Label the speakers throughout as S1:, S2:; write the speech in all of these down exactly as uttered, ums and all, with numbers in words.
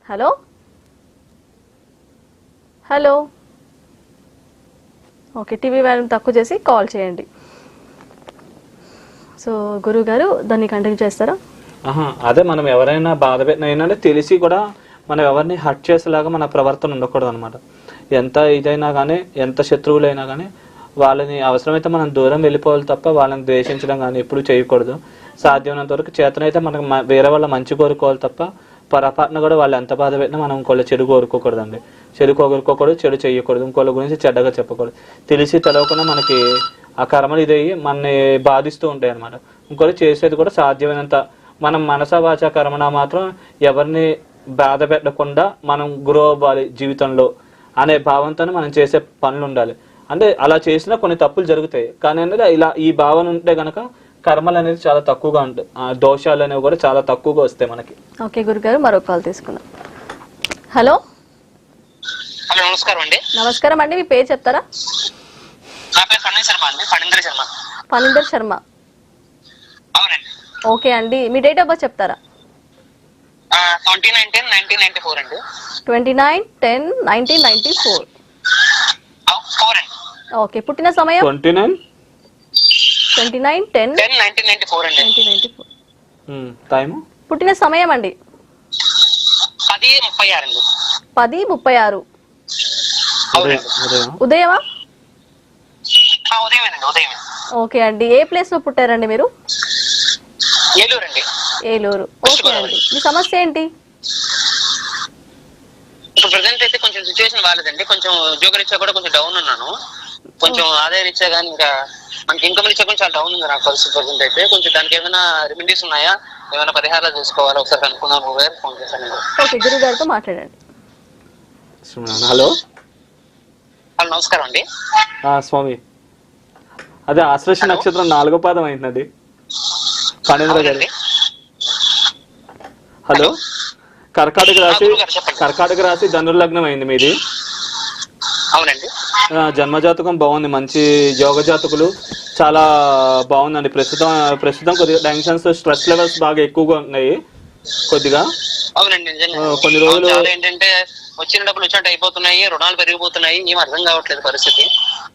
S1: Hello hello okay, TV volume తక్కువ చేసి call చేయండి. సో గురువు గారు దాన్ని కంటిన్యూ చేస్తారా?
S2: ఆహా, అదే మనం ఎవరైనా బాధ పెట్టిన ఏంటంటే తెలిసి కూడా మనం ఎవరిని హర్ట్ చేసేలాగా మన ప్రవర్తన ఉండకూడదు అనమాట. ఎంత ఇదైనా కానీ, ఎంత శత్రువులైనా కానీ వాళ్ళని అవసరమైతే మనం దూరం వెళ్ళిపోవాలి తప్ప వాళ్ళని ద్వేషించడం కానీ ఎప్పుడు చేయకూడదు. సాధ్యమైనంత వరకు చేతనైతే మనకు వేరే వాళ్ళ మంచి కోరుకోవాలి తప్ప పొరపాటున కూడా వాళ్ళు ఎంత బాధ పెట్టినా మనం ఇంకోళ్ళ చెడు కోరుకోకూడదండి. చెడు కోరుకోకూడదు, చెడు చేయకూడదు, ఇంకోళ్ళ గురించి చెడ్డగా చెప్పకూడదు. తెలిసి తెలవకుండా మనకి ఆ కర్మలు ఇదయ్యి మనని బాధిస్తూ ఉంటాయి అనమాట. ఇంకోటి చేసేది కూడా సాధ్యమైనంత మనం మనస వాచ కర్మణ మాత్రం ఎవరిని బాధ పెట్టకుండా మనం గ్రో అవ్వాలి జీవితంలో అనే భావంతో మనం చేసే పనులు ఉండాలి. అంటే అలా చేసినా కొన్ని తప్పులు జరుగుతాయి, కానీ అనేది ఇలా ఈ భావన ఉంటే గనక కర్మలు అనేది చాలా తక్కువగా ఉంటాయి, ఆ దోషాలు అనేవి కూడా చాలా తక్కువగా వస్తాయి మనకి.
S1: ఓకే గురుగారు, మరో కాల్ తీసుకుందాం. హలో
S3: హలో, నమస్కారం అండి.
S1: నమస్కారం అండి, మీ పేరు చెప్తారా?
S3: నా పేరు ఫణీందర్ శర్మ అండి. ఫణీందర్ శర్మ.
S1: ఫణీందర్ శర్మ,
S3: అవునండి.
S1: ఓకే అండి. మీ డేట్ ఆఫ్ బర్త్ చెప్తారా?
S3: Twenty nine ten nineteen ninety four అండి.
S1: Twenty nine ten nineteen ninety four.
S3: Four అండి.
S1: ఓకే, పుట్టిన సమయం?
S2: Twenty nine
S1: twenty nine ten
S3: ten nineteen ninety four అండి.
S1: Nineteen ninety four.
S2: టైము?
S1: పుట్టిన సమయం అండి?
S3: పది ముప్పై ఆరు అండి.
S1: పది ముప్పై ఆరు.
S3: అవునండి.
S1: ఉదయమా?
S3: ఉదయమేనండి, ఉదయమే.
S1: ఓకే అండి. ఏ ప్లేస్ లో పుట్టారండి మీరు?
S3: ఏలూరు అండి.
S1: ఏలూరు. ఓకే అండి. మీ సమస్య ఏంటి?
S3: ఇప్పుడు ప్రజెంట్ అయితే కొంచెం సిచ్యువేషన్ బాగాలేదండి. కొంచెం ఉద్యోగ రీత్యా కూడా కొంచెం డౌన్ ఉన్నాను. కొంచెం ఆదాయ రీత్యా కానీ ఇంకా మనకి ఇన్కమ్ రీత్యా కూడా చాలా డౌన్ ఉంది నాకు పరిస్థితి ప్రజెంట్ అయితే. కొంచెం దానికి ఏమైనా రెమెడీస్ ఉన్నాయా, ఏమైనా పరిహారాలు చేసుకోవాలా ఒకసారి కనుక్కుందాం ఫోన్ చేశాను.
S1: ఓకే, గురువు గారితో మాట్లాడండి.
S2: హలో
S3: హలో, నమస్కారం అండి.
S2: స్వామి, అదే ఆశ్లేష నక్షత్రం నాలుగో పాదం అయిందండి ఫణీంద్ర గారు. హలో, కర్కాటక రాశి కర్కాటక రాశి ధనుర్లగ్నం అయింది మీది.
S3: అవునండి.
S2: జన్మజాతకం బాగుంది, మంచి యోగ జాతకులు చాలా బాగుందండి. ప్రస్తుతం ప్రస్తుతం కొద్దిగా టెన్షన్స్, స్ట్రెస్ లెవెల్స్ బాగా ఎక్కువగా ఉన్నాయి కొద్దిగా.
S3: అవునండి,
S2: కొన్ని రోజులు
S3: ఏంటంటే వచ్చిన డబ్బులు వచ్చినట్టు అయిపోతున్నాయి, రుణాలు పెరిగిపోతున్నాయి, ఏం అర్థం కావట్లేదు పరిస్థితి.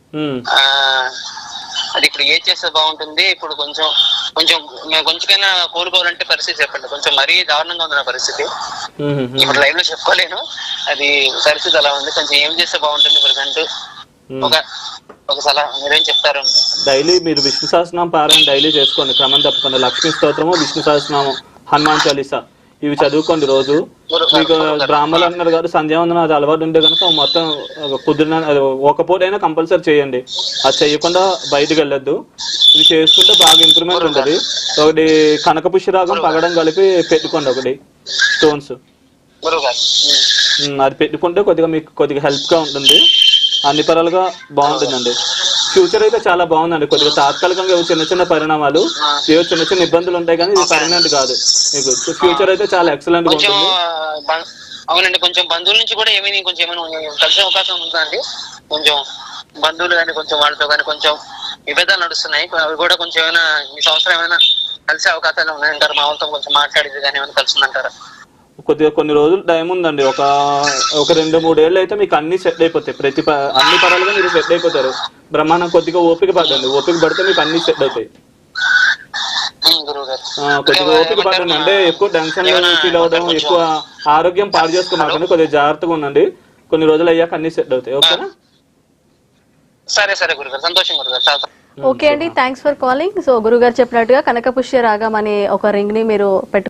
S3: అది ఇప్పుడు ఏ చేస్తే బాగుంటుంది? ఇప్పుడు కొంచెం కొంచెం కొంచెమైనా కోరుకోవాలంటే పరిస్థితి చెప్పండి. కొంచెం మరీ దారుణంగా ఉంది నా పరిస్థితి. ఇప్పుడు లైవ్ లో చెప్పుకోలేను, అది పరిస్థితి అలా ఉంది. కొంచెం ఏం చేస్తే బాగుంటుంది ప్రజెంట్? ఒక ఒక సలహా మీరేం చెప్తారు?
S2: డైలీ మీరు విష్ణు సహస్రనామం పారాయణ డైలీ చేసుకోండి క్రమం తప్పకుండా. లక్ష్మీ స్తోత్రము, విష్ణు సహస్రనామం, హనుమాన్ చాలీసా ఇవి చదువుకోండి రోజు. మీకు బ్రాహ్మణులు అంటున్నారు కాబట్టి సంధ్యావందనం అది అలవాటు ఉంటే కనుక మొత్తం కుదిరిన ఒక పూట అయినా కంపల్సరీ చేయండి. అది చేయకుండా బయటకు వెళ్ళొద్దు. ఇది చేసుకుంటే బాగా ఇంప్రూవ్మెంట్ ఉంటుంది. ఒకటి కనక పుష్యరాగం పగడం కలిపి పెట్టుకోండి, ఒకటి స్టోన్స్ అది పెట్టుకుంటే కొద్దిగా మీకు కొద్దిగా హెల్ప్ గా ఉంటుంది, అన్ని పరాలుగా బాగుంటుందండి. ఫ్యూచర్ అయితే చాలా బాగుందండి. కొద్దిగా తాత్కాలికంగా చిన్న చిన్న పరిణామాలు, ఏవో చిన్న చిన్న ఇబ్బందులు ఉంటాయి కానీ ఇది పర్మనెంట్ కాదు. మీకు ఫ్యూచర్ అయితే చాలా ఎక్సలెంట్ గా ఉంటుంది.
S3: అవునండి, కొంచెం బంధువుల నుంచి కూడా ఏమైనా కొంచెం ఏమైనా కలిసే అవకాశం ఉందండి. కొంచెం బంధువులు కానీ కొంచెం వాళ్ళతో కానీ కొంచెం విభేదాలు నడుస్తున్నాయి. అవి కూడా కొంచెం ఏమైనా ఈ సంవత్సరం ఏమైనా కలిసే అవకాశాలు ఉన్నాయంటారు? మా వాళ్ళతో కొంచెం మాట్లాడేది కానీ ఏమైనా కలిసిందంటారా?
S2: కొద్దిగా కొన్ని రోజులు టైం ఉందండి. ఒక ఒక రెండు మూడేళ్ళు అయితే మీకు అన్ని సెట్ అయిపోతాయి. ప్రతి అన్ని పరాలుగా మీరు సెట్ అయిపోతారు. బ్రహ్మాండం. కొద్దిగా ఓపిక పడండి, ఓపిక పడితే మీకు అన్ని సెట్ అవుతాయి. కొద్దిగా ఓపిక పడండి. అంటే ఎక్కువ టెన్షన్ ఫీల్ అవ్వడం, ఎక్కువ ఆరోగ్యం పాడు చేసుకోమాకండి. కొద్దిగా జాగ్రత్తగా ఉండండి. కొన్ని రోజులు అయ్యాక అన్ని సెట్ అవుతాయి. ఓకేనా?
S3: సరే సరే గురుగారు, సంతోషం గురుగారు.
S1: ఓకే అండి, థ్యాంక్స్ ఫర్ కాలింగ్. సో గురుగారు చెప్పినట్టుగా కనక పుష్య రాగం అనే ఒక రింగ్ ని మీరు పెట్టు